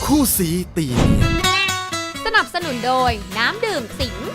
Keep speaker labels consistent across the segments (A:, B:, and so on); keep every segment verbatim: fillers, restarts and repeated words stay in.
A: คู่สีตีเนียน
B: สนับสนุนโดยน้ำดื่มสิง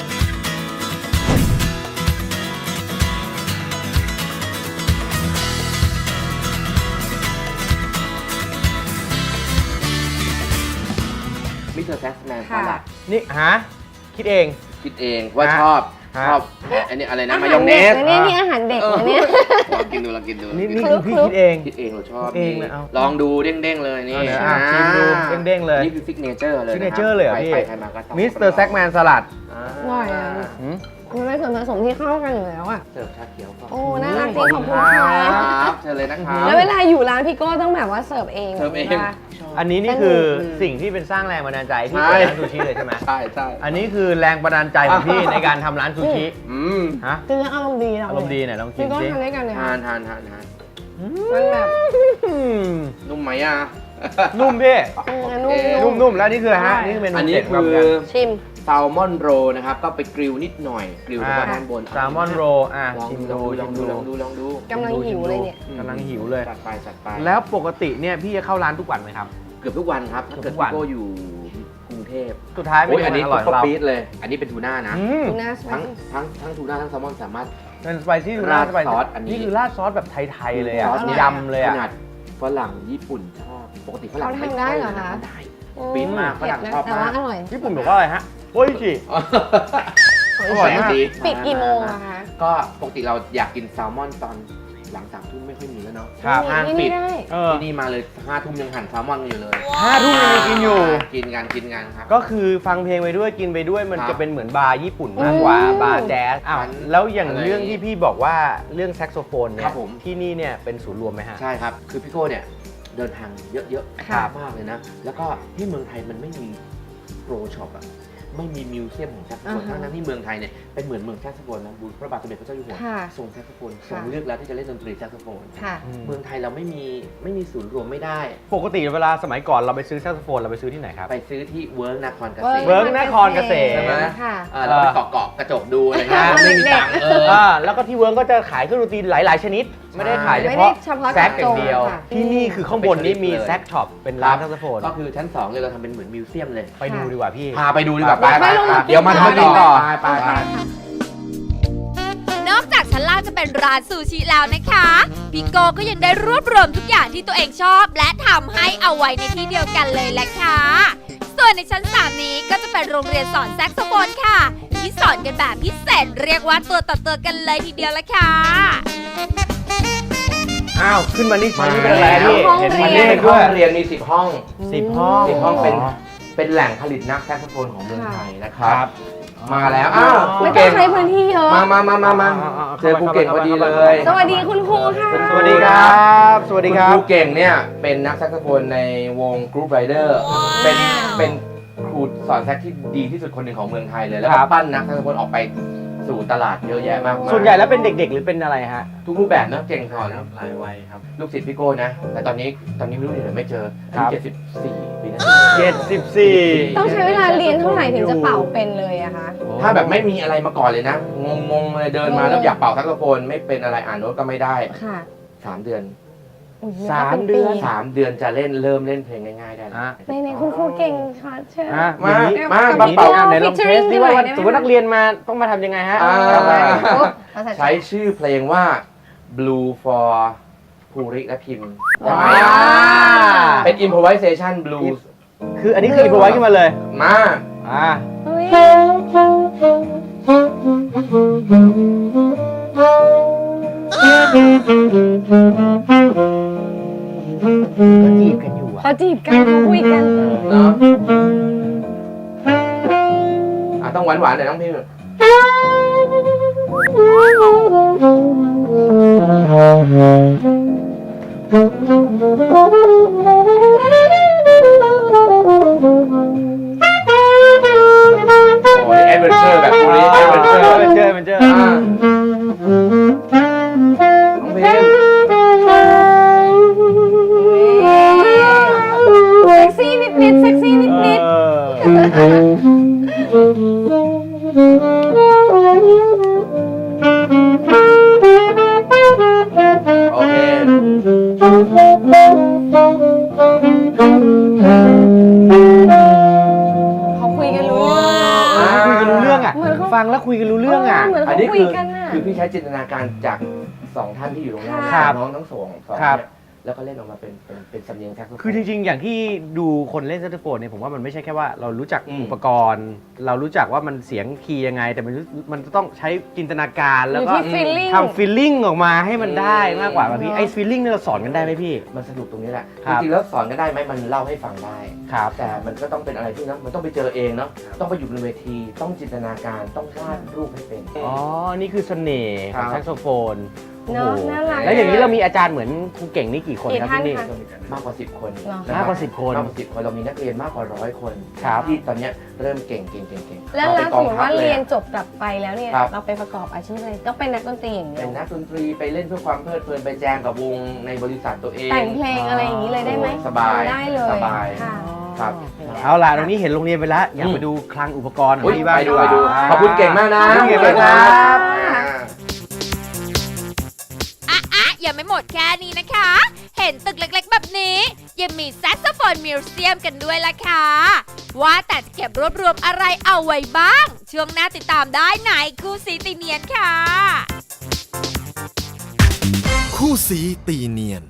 C: มิสเตอร์แซกแมนสลัด
D: นี่ฮะคิดเอง
C: คิดเองว่าชอบชอบอันนี้อะไรนะมายองเนส
E: นี่นี่อาหารเด็กนะเนี่ย
C: ลองกินดูลองกินดู
D: นี่นี่คือพี่คิดเอง
C: คิดเองเราชอบ
D: เองเลยเอา
C: ลองดูเด้งๆเลยนี่
D: ชิมดูเด้งๆเลย
C: นี่คือซิกเนเจอร์เลย
D: ซิกเนเจอร์เลยอ่ะพี่มิสเตอร์แซกแมนสลัด
E: อร่อยอ่ะมันเป็นส่วนผสมที่เข้ากันอยู่แล้วอ่ะ
C: เสิร์ฟชาเขียวก่อน
E: โอ้น่ารักจริงขอบคุณค่ะ
C: เชิญเลยนะครับ
E: แล้วเวลาอยู่ร้านพี่โก้ต้องแบบว่าเสิร์ฟเอง
C: เสิร์ฟเอง
D: อันนี้นี่คือสิ่งที่เป็นสร้างแรงบันดาลใจที่เปิดร้านซูชิเลยใช่ไหม
C: ใช่ใช่
D: อันนี้คือแรงบันดาลใจของพี่ในการทำร้านซูชิ
C: อืม
D: ฮะ
E: คืออารมณ์ดี
D: อารมณ์ดีหน่อยลองกินสิ
E: พี่โก้ทานด้วยกันเลย
C: ทานทานทานทาน
E: มันแบบ
C: นุ่มไหมอ่ะ
D: นุ่มพี่
E: นุ่ม
D: นุ่มแล้วนี่คือฮะนี่คือเมนู
C: อันนี้คือ
E: ชิม
C: แซลมอนโรนะครับก็ไปกริลนิดหน่อยกริลด้านบน
D: แซลมอนโรอ่ะ
C: ชิมดูลองดูลองดูลองดู
E: กำลังหิวเลยเนี่ย
D: กำลังหิวเลย
C: จัดไปจัดไป
D: แล้วปกติเนี่ยพี่จะเข้าร้านทุกวันไหมครับ
C: เกือบทุกวันครับถ้าเกิดพี่โก้อยู่กรุงเทพ
D: สุดท้ายไม่
C: อันนี้
D: อร่อย
C: เราปี๊ดเลยอันนี้เป็นทูน่านะ
E: ทูน่า
C: ทั้งทั้งทั้งทูน่าทั้งแซลมอนสามารถ
D: เป็นสไปซี่ทูน่า
C: ราดซอสอันนี้
D: นี่คือราดซอสแบบไทยๆเลยอ่ะยำเลยอ่ะ
C: ขนาดฝรั่งญี่ปุ่นชอบปกติฝรั่ง
E: ไม่ได้เหรอคะ
C: ได้ปี๊ดมากฝรั่งชอบมาก
D: ญี่ปุ่นบอกว่าอะไรฮะโอ้ยจิ
C: อร่อยมาก
E: ปิดกี่โมงอะคะ
C: ก็ปกติเราอยากกินแซลมอนตอนหลังสามทุ่มไม่ค่อยมีแล้วเนาะ
E: ห้างปิด
C: ที่นี่มาเลยห้าทุ่มยังหั่นแซลมอนอยู่เลย
D: ห้าทุ่มยังมีกินอยู่
C: กินกันกินกันครับ
D: ก็คือฟังเพลงไปด้วยกินไปด้วยมันจะเป็นเหมือนบาร์ญี่ปุ่นมากกว่าบาร์แจ๊สอ้าวแล้วอย่างเรื่องที่พี่บอกว่าเรื่องแซกโซโฟนเนี่ยที่นี่เนี่ยเป็นศูนย์รวมไหมฮะ
C: ใช่ครับคือพี่โก้เนี่ยเดินทางเยอะๆมากเลยนะแล้วก็ที่เมืองไทยมันไม่มีโปรช็อปอะไม่มีมิวเซียมของแซกโซโฟนทั้งนั้นที่เมืองไทยเนี่ยเป็นเหมือนเมืองแซกโซโฟนนะบูพระบาทสมเด็จพระเจ้าอยู่หัวทรงแซกโซโฟนทรงเลือกแล้วที่จะเล่นดนตรีแซกโซโฟนเมืองไทยเราไม่มีไม่มีศูนย์รวมไม่ได้
D: ปกติเวลาสมัยก่อนเราไปซื้อแซกโซโฟนเราไปซื้อที่ไหนครับ
C: ไปซื้อที่เวิร์กนครเกษตร
D: เวิร์กนครเกษตร
C: ใช่ไหมเราไปเกาะเกาะกระจกดูอะไรเงี้ยไม่มีตังค์เออ
D: แล้วก็ที่เวิร์กก็จะขายเครื่องดนตรีหลายๆชนิดไม่ได้ขายเฉพาะแซกอย่างเดียวที่นี่คือข้างบนนี้มีแซกช็อปเป็นร้านแซกโซโฟน
C: ก็คือชั้นสองเลยเราทำเป็นเหมือนมิวเซียมเลย
D: ไปดูดีกว่าพี่
C: พาไปดูดีกว่าไปเดี๋ยวมาทำต่อไปไป
B: นอกจากชั้นล่างจะเป็นร้านซูชิแล้วนะคะพี่โก้ก็ยังได้รวบรวมทุกอย่างที่ตัวเองชอบและทำให้เอาไว้ในที่เดียวกันเลยแหละค่ะส่วนในชั้นสามนี้ก็จะเป็นโรงเรียนสอนแซกโซโฟนค่ะที่สอนกันแบบพิเศษเรียกว่าตัวต่อตัวกันเลยทีเดียวละค่ะ
D: อ้าวขึ้นมานี่ชั้นนี้เป็นอะไรพี่
C: เห็นมันนี่เป็นห้องเรียนมีสิบห้อง
D: สิบห้อง
C: สิบห้องเป็นเป็นแหล่งผลิตนักแซกโซโฟนของเมืองไทยนะครับมาแล้วอ้าว
E: ไม่ต้องใช้พื้นที่เยอะ
C: มามามามามาเจอครูเก่งพอดีเลย
E: สวัสดีคุณครูค่ะ
D: สวัสดีครับสวัสดีครับ
C: ครูเก่งเนี่ยเป็นนักแซกโซโฟนในวงกรุ๊ปไรเดอร์เป็นเป็นครูสอนแซกที่ดีที่สุดคนหนึ่งของเมืองไทยเลยแล้วก็ปั้นนักแซกโซโฟนออกไปสู่ตลาดเยอะแยะมากมาย
D: ส่วนใหญ่แล้วเป็นเด็กๆหรือเป็นอะไรฮะ
C: ทุกรูปแบบนะเก่งสอนหลายวัยครับลูกศิษย์พี่โก้นะแต่ตอนนี้ตอนนี้ไม่รู้อยู่ไหนไม่เจออายุเจ็ดสิบสี่ปีนะ
D: เจ็ดสิบสี่
E: ต้องใช้เวลาเรียนเท่าไหร่ถึงจะเป่าเป็นเลยอะคะ
C: ถ้าแบบไม่มีอะไรมาก่อนเลยนะงงๆเลยเดินมาแล้วอยากเป่าแซกโซโฟนไม่เป็นอะไรอ่านโน้ตก็ไม่ได้
E: ค่ะ
C: สามเดือน
D: สามเดือน
C: สามเดือนจะเล่นเริ่มเล่นเพลงง่ายๆได้แล้ว
E: ในในคุณครูเก่งค่ะเชิญ
C: มามามาเป่า
D: ไหนลองเทสดิว่าสมมตินักเรียนมาต้องมาทำยังไงฮะ
C: ใช้ชื่อเพลงว่า Blue for ภูริและพิมพ์เป็น improvisation blues
D: คืออันนี้คือ improvise ขึ้นมาเลย
C: มา
D: อ่าเขาจีบกันอยู่อ่ะ
E: เขาจีบกันเขาคุยกัน
C: เนาะอ่ะต้องหวานหวานหน่อยน้องพิมพ์โอ้ยแอดเวนเจอร์แบบนี้แอดเวนเจอร์
D: แอดเวนเจอร์แอดเวนเจอร์
C: น้องพิมพ์
E: เซ็กซี่นิดนิดเซ็กซี่นิดนิด
C: โอเค
D: ฟังแล้วคุยกันรู้เรื่องอ่ะ
E: เหมือน
C: อัน
E: เขา
C: นี้
E: คุย
C: คือ
E: กันน่ะ
C: คือพี่ใช้จินตนาการจากสองท่านที่อยู่ตรงหน้า
D: ครับ
C: น้องทั้งสองสอง
D: ครับ
C: เนี่ยแล้วก็เล่นออกมาเป็นเป็นเป็นสำเนียงแซกโซโฟน
D: คือจริงๆ อย่างที่ดูคนเล่นแซกโซโฟนเนี่ยผมว่ามันไม่ใช่แค่ว่าเรารู้จัก
C: อืม
D: อุปกรณ์ เรารู้จักว่ามันเสียงคีย์ยังไง แต่มันรู้มันจะต้องใช้จินตนาการ
E: อ
D: แล้ว
E: ยู่
D: ก็
E: ที่ feeling
D: ทำฟีลลิ่งออกมาให้มันได้มากกว่าแบบพี่
E: เนอะ
D: ไอ้ฟีลลิ่งนี่เราสอนกันได้ไหมพี่
C: มันสนุกตรงนี้แหละ
D: ครั
C: จ
D: บ
C: ริงๆแล้วสอนกันได้ไหมมันเล่าให้ฟังได้
D: ครับ
C: แต่มันก็ต้องเป็นอะไรที่นะมันต้องไปเจอเองเนาะต้องไปอยู่บนเวทีต้องจินตนาการต้องวาดรูปให้เป็น
D: อ๋อ นี่คือเสน่ห์ของ
C: ครับ
D: แซกโซโฟน
E: เนอะ
D: โอ้โห
E: น่ารัก
D: แล้วอย่างนี้เรามีอาจารย์เหมือนครูเก่งนี่กี่คน
E: กี่
D: ครับ
E: ท่าน
D: ที่นี่
E: คะ
C: มากกว่าสิบคน
E: เหรอ
C: นะ
D: มากกว่าสิบคน
C: มากกว่าสิบคนเรามีนักเรียนมากกว่าร้อยคน
D: ครับ
C: ที่ตอนเนี้ยเริ่มเก่งเก่งเก่งเก่ง
E: แล้ว
C: เอ
E: แล้
C: ไป
E: ว
C: ก
E: ส
C: อง
E: มมติ
C: ทัพ
E: ว่า
C: ล
E: เรียน
C: อะ
E: จบกลับไปแล้วเนี่ย
C: ครับ
E: เราไปประกอบอาชีพอะไรต้องเป็นนักดนตรีอย่างเดี
C: เป็
E: ย
C: น
E: ว
C: นักดนตรีไปเล่นเพื่อความเพลิดเพลินไปแจมกับวงในบริษัทตัวเอง
E: แต่งเพลงอะไรอย่างนี้เลยได้ไหม
C: สบาย
E: ได้เลย
C: สบาย
E: ค่ะ
C: ครับ
D: เอาล่ะตรงนี้เห็นโรงเรียนไปแล้ว อยาก
C: อืม
D: ไปดูคลังอุปกรณ์ของ
C: อุ๊ย
D: พี่บ้าง
C: ไปดู
D: ก
C: ไป
D: ว่า
C: ดู ขอบคุณเก่งมากนะ
E: ขอบคุณเก่งมากครับ
B: อ่ะอ่ะยังไม่หมดแค่นี้นะคะ เห็นตึกเล็กๆแบบนี้ ยังมีแซกโซโฟนมิวเซียมกันด้วยล่ะค่ะ ว่าแต่จะเก็บรวบรวมอะไรเอาไว้บ้าง ช่วงหน้าติดตามได้ในคู่สีติเนียนค่ะ
A: คู่สีตีเนียน